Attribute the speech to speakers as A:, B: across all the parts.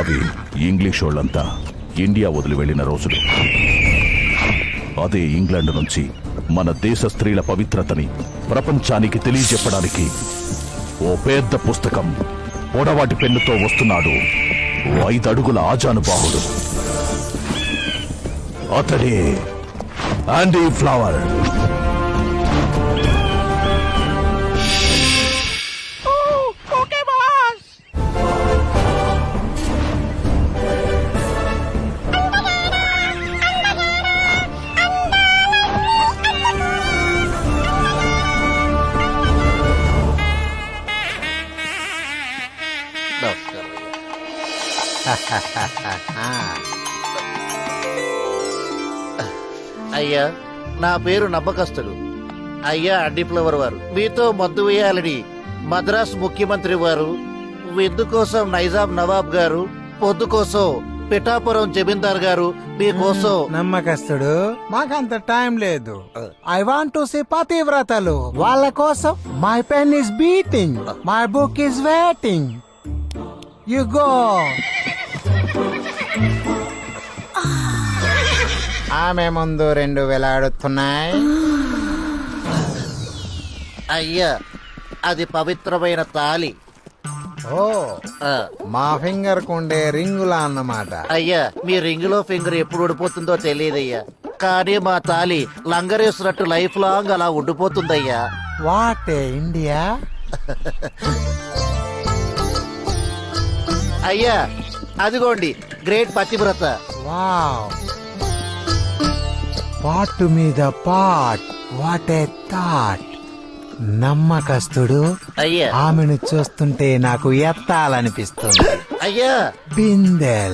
A: అవి ఇంగ్లీష్ వాళ్ళంతా ఇండియా వదిలి వెళ్లిన రోజులు. అదే ఇంగ్లాండ్ నుంచి మన దేశ స్త్రీల పవిత్రతని ప్రపంచానికి తెలియజెప్పడానికి ఓ పెద్ద పుస్తకం పొడవాటి పెన్నుతో వస్తున్నాడు. 5 అడుగుల ఆజానుబాహుడు. అతడే ఆండీ ఫ్లవర్.
B: అయ్యా, నా పేరు నమ్మకస్తుడు. అయ్యా అండి ఫ్లవర్ వారు, మీతో మద్దు వేయాలని మద్రాస్ ముఖ్యమంత్రి వారు, విందు కోసం నైజాం నవాబ్ గారు, పొద్దు కోసం పిఠాపురం జమీందార్ గారు మీకోసం.
C: నమ్మకస్తుడు, మాకంత టైం లేదు. ఐ వాంట్ టు సీ పతివ్రతలు. వాళ్ళ కోసం my pen is beating, my book is waiting. You go. ఆమె ముందు 2 వేలాడుతున్నాయి.
B: అయ్యా, అది పవిత్రమైన తాలి.
C: ఓ, మా ఫింగర్ కుండే రింగులా అన్నమాట.
B: అయ్యా, మీ రింగులో ఫింగర్ ఎప్పుడు ఊడిపోతుందో తెలియదయ్యా, కానీ మా తాలి లంగరేసినట్టు లైఫ్ లాంగ్ అలా ఉండిపోతుందయ్యా.
C: What India.
B: అయ్యా, అదిగోండి గ్రేట్ పతివ్రత.
C: వావ్, పాటు మీద పాట్. What a thought. నమ్మకస్తుడు,
B: అయ్యా
C: ఆమెను చూస్తుంటే నాకు ఎత్తాలనిపిస్తుంది.
B: అయ్యా
C: బిందెల్.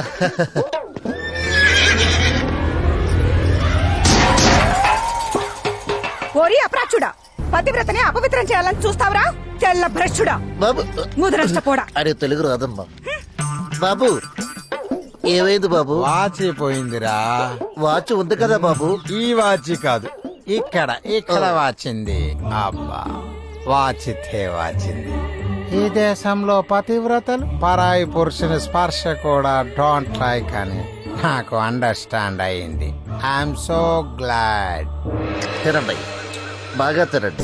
D: ఓరి అప్రాచుడా, పతివ్రతని అపవిత్రం చేయాలని చూస్తావురా? తెల్ల భ్రష్టుడా,
B: బాబు.
D: ముదరష్టపోడా.
B: అరే తెలుగు రాదమ్మా. బాబు, ఏమైంది బాబు?
C: వాచి పోయిందిరా.
B: వాచ్ ఉంది కదా బాబు.
C: ఈ వాచి కాదు, ఇక్కడ వాచింది. అబ్బా, వాచితే వాచింది. ఈ దేశంలో పతివ్రతలు పరాయి పురుషుని స్పర్శ కూడా డోంట్ లైక్ అని నాకు అండర్స్టాండ్ అయింది. I'm so glad.
B: తినండి, బాగా తినండి.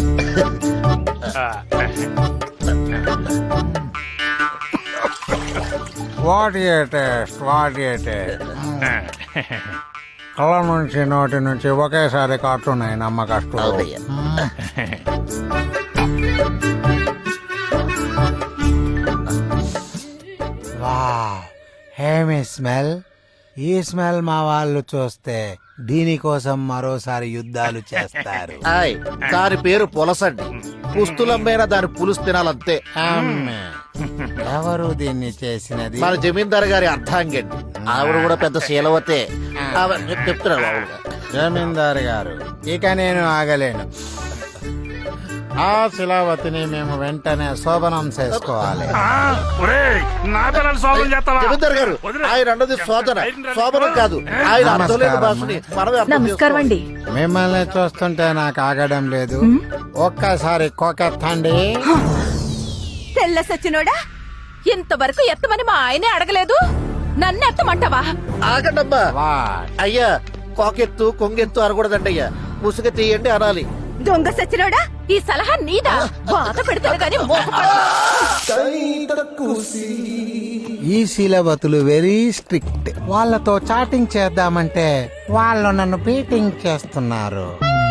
C: What a taste, what a taste. కళ్ళ నుంచి నోటి నుంచి ఒకేసారి కాటున్నాయి నమ్మకస్తుడు.
B: అవునయ్యా.
C: వావ్, హేమి స్మెల్. ఈ స్మెల్ మా వాళ్ళు చూస్తే దీనికోసం మరోసారి యుద్ధాలు చేస్తారు.
B: ఆయ్, దాని పేరు పులసండి. పుస్తులమ్మైనా దాని పులుసు తినాలంతే.
C: అమ్మే. ఎవరు దీన్ని చేసినది?
B: మన జమీందార్ గారి అర్థాంగండి. ఆవిడ కూడా పెద్ద శీలవతే. చెప్తున్నారు బాబుగా.
C: జమీందారు గారు, ఇక నేను ఆగలేను. ఆ శిలావతిని మేము వెంటనే శోభనం చేసుకోవాలి.
B: జమీందార్ గారు, ఆయన అన్నది శోధన, శోభనం కాదు. ఆయన అర్థం లేని భాషని మనమే అర్థం
D: నమస్కారం అండి.
C: మిమ్మల్ని చూస్తుంటే నాకు ఆగడం లేదు. ఒక్కసారి కోకెత్తండి.
D: తెల్ల సచ్చినోడా, ఇంతవరకు ఎత్తమని మా ఆయనే అడగలేదు, నన్ను ఎత్తమంటావా?
B: ఆగండమ్మా.
C: వాట్?
B: అయ్యా, కోకెత్తు కొంగెత్తు అనకూడదండి అయ్యా, ముసుగు తీయండి అనాలి.
D: దొంగ సచ్చినోడా, ఈ సలహా నీదా? బాధ పెడతాను గాని
C: ఈ శీలవతులు వెరీ స్ట్రిక్ట్. వాళ్ళతో చాటింగ్ చేద్దామంటే వాళ్ళు నన్ను బీటింగ్ చేస్తున్నారు.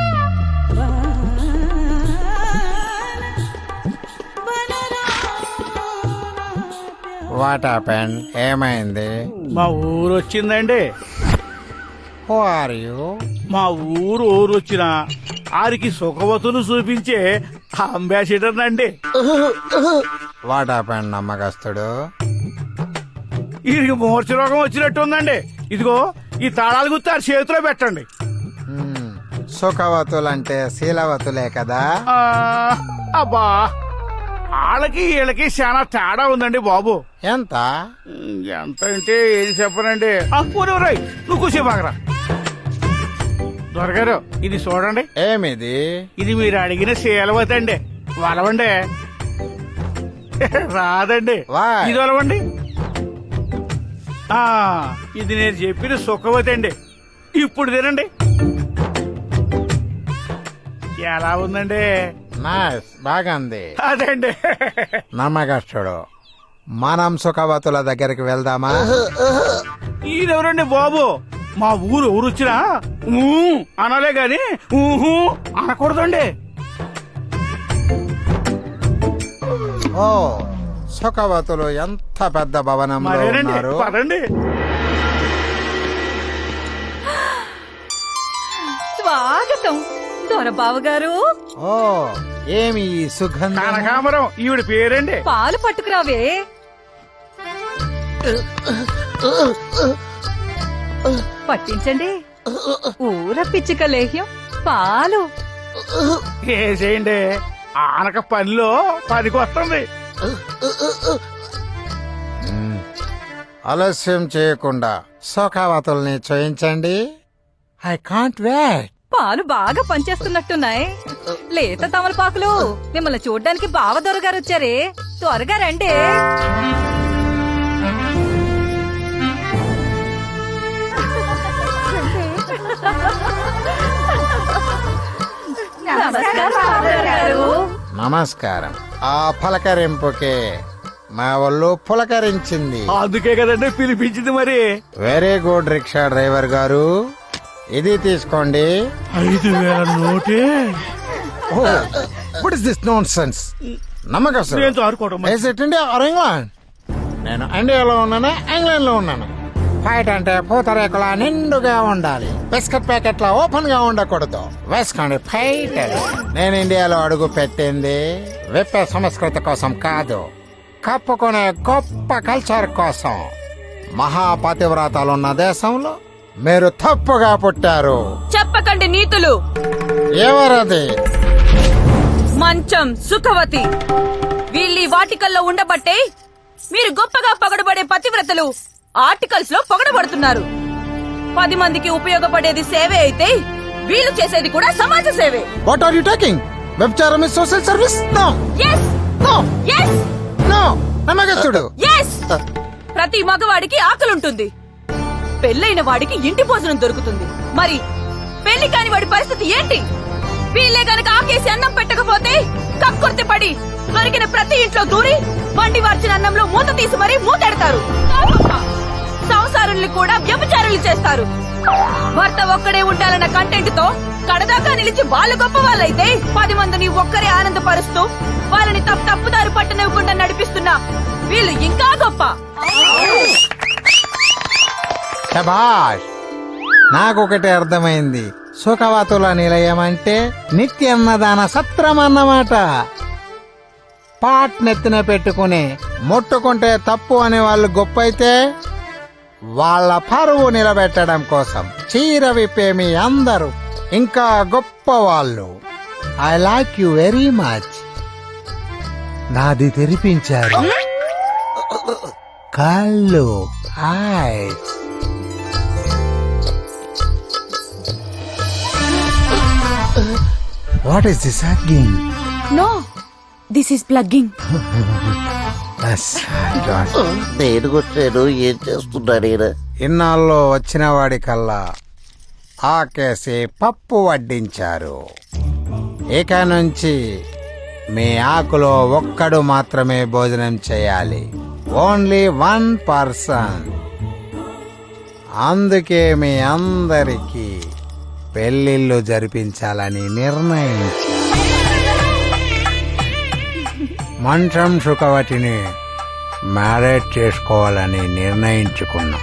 C: What happened? ఏమైంది?
E: మా ఊరు వచ్చిందండి.
C: Who are you?
E: మా ఊరు వచ్చిన ఆరికి సుఖవతులు చూపించే అంబాసిడర్ అండి.
C: వాట్ హ్యాపెండ్ నమ్మకస్తుడు?
E: వీరికి మూర్ఛ రోగం వచ్చినట్టు ఉందండి. ఇదిగో ఈ తాళాలు గుర్తు ఆ చేతిలో పెట్టండి.
C: సుఖవతులంటే శీలవతులే కదా.
E: అబ్బా, వాళ్ళకి వీళ్ళకి చాలా తేడా ఉందండి బాబు.
C: ఎంత?
E: ఎంత అంటే ఏది చెప్పనండి. నువ్వు కూసేపాకరా. దొరగారు, ఇది చూడండి.
C: ఏమిది?
E: ఇది మీరు అడిగిన శీలవతి అండి. వలవండి. రాదండి.
C: Why?
E: ఇది వలవండి. ఆ, ఇది నేను చెప్పిన సుఖవతి అండి. ఇప్పుడు తినండి. ఎలా ఉందండి?
C: నైస్, బాగుంది.
E: అదండి.
C: నమ్మకస్తుడు. మనం సుఖవతుల దగ్గరికి వెళ్దామా?
E: ఈయనెవరండి బాబు? మా ఊరు వచ్చినా అనాలే గాని ఊహు అనకూడదండి.
C: ఓ, సుఖవతులు ఎంత పెద్ద భవనంలో
E: మరేనండి,
C: ఉన్నారు.
E: పదండి.
D: స్వాగతం దొరబాబు గారు.
C: ఓ, ఏమి ఈ సుగంధం?
E: కనకాంబరం ఈవిడ పేరండి.
D: పాలు పట్టుకురావే. పట్టించండి. ఊర పిచ్చిక లేహ్యం పాలు.
E: వేసేయండి. ఆనక పనిలో పనికి వస్తుంది.
C: మ్మ్. ఆలస్యం చేయకుండా సుఖవతుల్ని చేయించండి. I can't wait.
D: పాలు బాగా పనిచేస్తున్నట్టున్నాయి. లేత తమలపాకులు. మిమ్మల్ని చూడ్డానికి బావ దొరగారు వచ్చారే, త్వరగా రండి. నమస్కారం బావగారు.
C: నమస్కారం. ఆ పలకరింపుకే మా ఒళ్ళు పులకరించింది.
E: అందుకే కదండి పిలిపించింది. మరి
C: వెరీ గుడ్ రిక్షా డ్రైవర్ గారు, ఇది తీసుకోండి.
E: 5,000 నోటే.
C: What is this nonsense? నమ్మకం
E: నేను ఆడుకోవడం మరి.
C: India or England? నేను ఇండియాలో ఉన్నాను, ఇంగ్లాండ్ లో ఉన్నాను. ఫైట్ అంటే పూతరేకుల నిండుగా ఉండాలి, బిస్కెట్ ప్యాకెట్ లా ఓపెన్ గా ఉండకూడదు. వేసుకోండి ఫైట్. నేను ఇండియాలో అడుగు పెట్టింది విప్పే సంస్కృతి కోసం కాదు, కప్పుకునే గొప్ప కల్చర్ కోసం. మహాపతివ్రతాలున్న దేశంలో మీరు తప్పుగా పుట్టారు.
D: చెప్పకండి నీతులు.
C: ఎవరది?
D: మంచం సుఖవతి. వీళ్ళీ వాటికల్లో ఉండబట్టే మీరు గొప్పగా పొగడబడే పతివ్రతలు ఆర్టికల్స్ లో పొగడబడుతున్నారు. 10 మందికి ఉపయోగపడేది సేవే అయితే వీళ్ళు చేసేది కూడా సమాజ సేవే.
C: What are you talking? వ్యభిచారం is social service? No
D: yes
C: no
D: yes
C: no. నమ్మకస్తుడు.
D: ఎస్. ప్రతి మగవాడికి ఆకలుంటుంది, పెళ్ళైన వాడికి ఇంటి భోజనం దొరుకుతుంది. మరి పెళ్లి కాని వాడి పరిస్థితి ఏంటి? వీళ్ళే గనక ఆకేసి అన్నం పెట్టకపోతే కక్కుర్తి పడి దొరికిన ప్రతి ఇంట్లో దూరి వండి వార్చిన అన్నంలో మూత తీసి మరీ మూతెడతారు. సంసారుల్ని కూడా వ్యభిచారులు చేస్తారు. భర్త ఒక్కడే ఉండాలన్న కంటెంట్ తో కడదాకా నిలిచి వాళ్ళు గొప్ప వాళ్ళైతే 10 మందిని ఒక్కరే ఆనందపరుస్తూ వాళ్ళని తప్పుదారి పట్టనివ్వకుండా నడిపిస్తున్నా వీళ్ళు ఇంకా గొప్ప.
C: శభాష్. నాకొకటి అర్థమైంది. సుఖవతుల నిలయం అంటే నిత్యన్నదాన సత్రం అన్నమాట. పాట్ నెత్తిన పెట్టుకుని ముట్టుకుంటే తప్పు అనే వాళ్ళు గొప్ప అయితే, వాళ్ళ పరువు నిలబెట్టడం కోసం చీర విప్పే మీ అందరూ ఇంకా గొప్ప వాళ్ళు. I like you very much. నాది తెరిపించారు కళ్ళు, eyes. What is this again?
D: No, this is plugging.
B: నేను కొట్టాను, ఏం చేస్తున్నాడు ఈయన?
C: ఇన్నాళ్ళు వచ్చిన వాడికల్లా ఆకేసి పప్పు వడ్డించారు. ఇక నుంచి మీ ఆకులో ఒక్కడు మాత్రమే భోజనం చేయాలి. Only 1 person. అందుకే మీ అందరికీ పెళ్లిళ్ళు జరిపించాలని నిర్ణయించారు. మంచం సుఖవతిని మ్యారేజ్ చేసుకోవాలని నిర్ణయించుకున్నాం.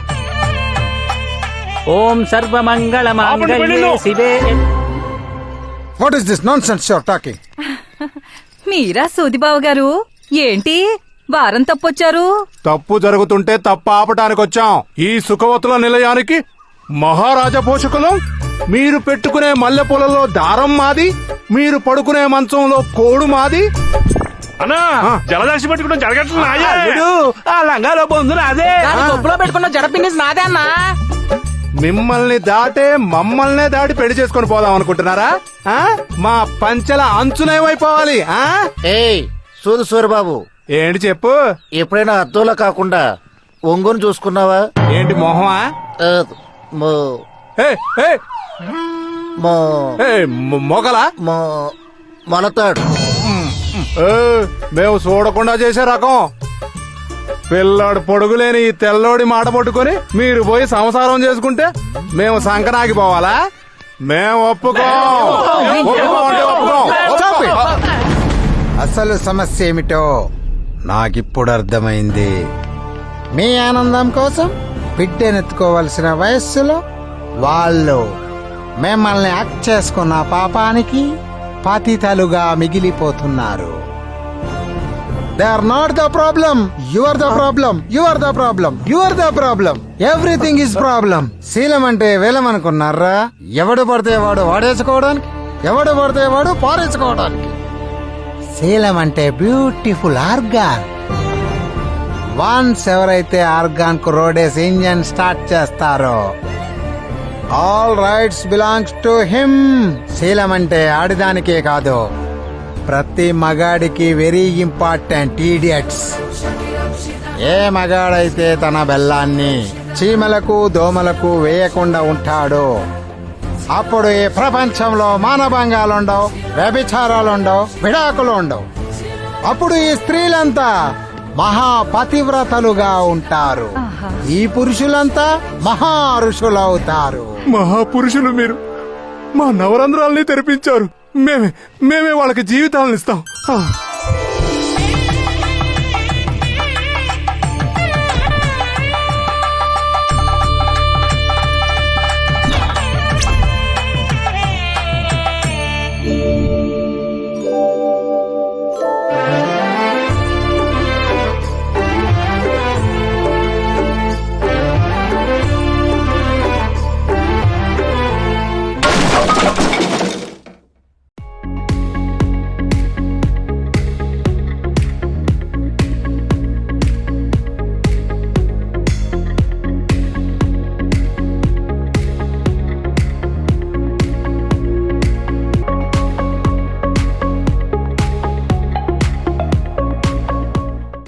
F: ఓం సర్వమంగళ మాంగళ్యే శివే.
C: What is this nonsense your talking?
D: మీరా సూదిబాబు గారు, ఏంటి వారం తప్పొచ్చారు?
G: తప్పు జరుగుతుంటే తప్పు ఆపటానికి వచ్చాం. ఈ సుఖవతుల నిలయానికి మహారాజా పోషకులం. మీరు పెట్టుకునే మల్లెపూలలో దారం మాది, మీరు పడుకునే మంచంలో కోడు మాది.
E: అన్నా జలదాసి పెట్టుకుంటాం జరగట్లేదు. ఆ లంగాలో పొందు అదే
F: కొప్పులో పెట్టుకున్న జడపిన్ని నాదే అన్నా.
G: మిమ్మల్ని దాటే మమ్మల్నే దాటి పెళ్లి చేసుకొని పోదాం అనుకుంటున్నారా? ఆ? మా పంచెల అంచునేమైపోవాలి?
B: ఏయ్ సూరు సూరిబాబు,
G: ఏంటి చెప్పు.
B: ఎప్పుడైనా అద్దంలో కాకుండా ఒంగోని చూసుకున్నావా?
G: ఏంటి మొహమా?
B: ఆ, మో-
G: ఏ, ఏ,
B: మో-
G: ఏ, మొగలా?
B: మో- మొలతాడు.
G: ఏ, మేము చూడకుండా చేసే రకం. పిల్లాడు పొడుగులేని ఈ తెల్లోడి మాట పట్టుకొని మీరు పోయి సంసారం చేసుకుంటే మేము సంకనాగిపోవాలా? మేము ఒప్పుకోం. ఒప్పుకోం అంటే ఒప్పుకోం.
C: Stop it. అసలు సమస్య ఏమిటో నాకిప్పుడు అర్థమైంది. మీ ఆనందం కోసం బిడ్డనెత్తుకోవలసిన వయస్సులో వాళ్ళు మిమ్మల్ని యాక్ట్ చేసుకున్న పాపానికి పతితలుగా మిగిలిపోతున్నారు. They are not the problem. You are the problem. You are the problem. You are the problem. Everything is problem. శీలం అంటే వేలం అనుకున్నారా? ఎవడు పడితే వాడు వాడేసుకోవడానికి, ఎవడు పడితే వాడు పారేసుకోవడానికి. శీలం అంటే బ్యూటిఫుల్ ఆర్గాన్. వన్స్ ఎవరైతే ఆర్గాన్ కు రోడేసి ఇంజన్ స్టార్ట్ చేస్తారో all rights belongs to him. శీలం అంటే ఆడిదానికే కాదు, ప్రతి మగాడికి వెరీ ఇంపార్టెంట్. ఈడియట్స్. ఏ మగాడైతే తన బెల్లాన్ని చీమలకు దోమలకు వేయకుండా ఉంటాడో అప్పుడు ఈ ప్రపంచంలో మానభంగాలుండవు, వ్యభిచారాలుండవు, విడాకులు ఉండవు. అప్పుడు ఈ స్త్రీలంతా మహాపతివ్రతలుగా ఉంటారు. ఈ పురుషులంతా మహా ఋషులవుతారు.
G: మహాపురుషులు మీరు మా నవరంధ్రాల్ని తెరిపించారు. మేమే వాళ్ళకి జీవితాలను ఇస్తాం.